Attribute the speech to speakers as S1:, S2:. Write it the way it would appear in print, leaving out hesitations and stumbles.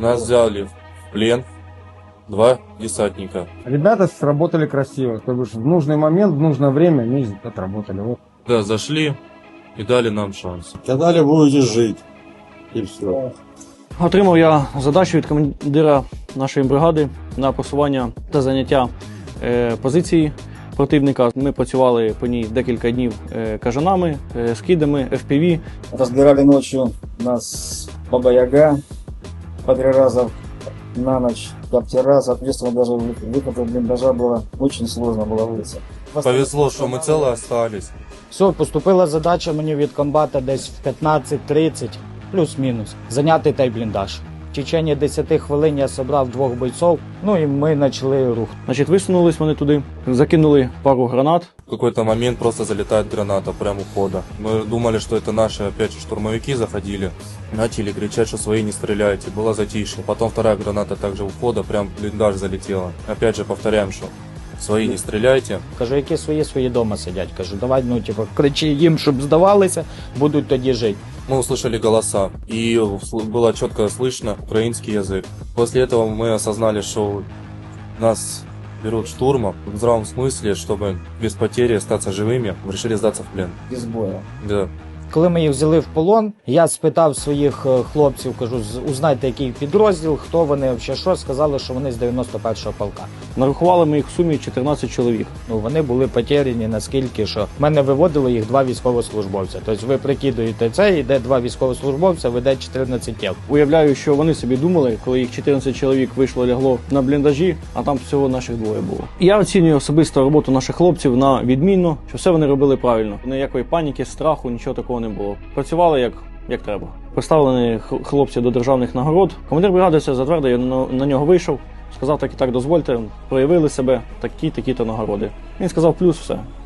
S1: Нас взяли в плен 2 десантника.
S2: Ребята сработали красиво, то бишь в нужный момент, в нужное время они отработали. Вот.
S1: Да, зашли и дали нам шанс.
S3: Сказали, будете жить. И все.
S4: Отримав я задачу від командира нашої бригади на просування та заняття позиції противника. Ми працювали по ній декілька днів кажанами, скидами, FPV.
S5: Разбирали ночью нас Баба Яга по 3 раза на ночь, коптера, соответственно, даже выход из блиндажа было очень сложно было выйти.
S1: Повезло, что мы целы остались.
S6: Все, поступила задача мені від комбата десь в 15:30, плюс-мінус, зайняти той бліндаж. В течение 10 хвилин я зібрав 2 бойців, ну і ми почали рух.
S4: Значить, висунулись вони туди, закинули пару гранат.
S1: В какой-то момент просто залетает граната прямо у входа. Мы думали, что это наши опять же штурмовики заходили. Начали кричать, что свои не стреляйте. Было затишье. Потом вторая граната также у входа прям в блиндаж залетела. Опять же повторяем, что свои не стреляйте.
S6: Кажу, які свої дома сидять. Кажу, давай, ну, типу, кричи їм, щоб здавалися, будуть тоді жити.
S1: Мы услышали голоса, и было четко слышно украинский язык. После этого мы осознали, что нас берут штурмом в здравом смысле, чтобы без потери остаться живыми, решили сдаться в плен.
S5: Без боя.
S1: Да.
S6: Коли ми їх взяли в полон, я спитав своїх хлопців, кажу, узнайте, який підрозділ, хто вони, взагалі що, сказали, що вони з 91-го полка.
S4: Нарахували ми їх в сумі 14 чоловік.
S6: Ну, вони були потеряні наскільки, що в мене виводило їх 2 військовослужбовця. Тобто ви прикидуєте це, йде 2 військовослужбовця, веде 14 тіл.
S4: Уявляю, що вони собі думали, коли їх 14 чоловік вийшло, лягло на бліндажі, а там всього наших 2 було. Я оцінюю особисто роботу наших хлопців на відмінно, що все вони робили правильно. Ніякої паніки, страху, нічого такого не було. Працювали як треба. Представлені хлопці до державних нагород. Командир бригади все затвердив, я на нього вийшов, сказав так і так дозвольте, проявили себе, такі-то нагороди. Він сказав плюс, все.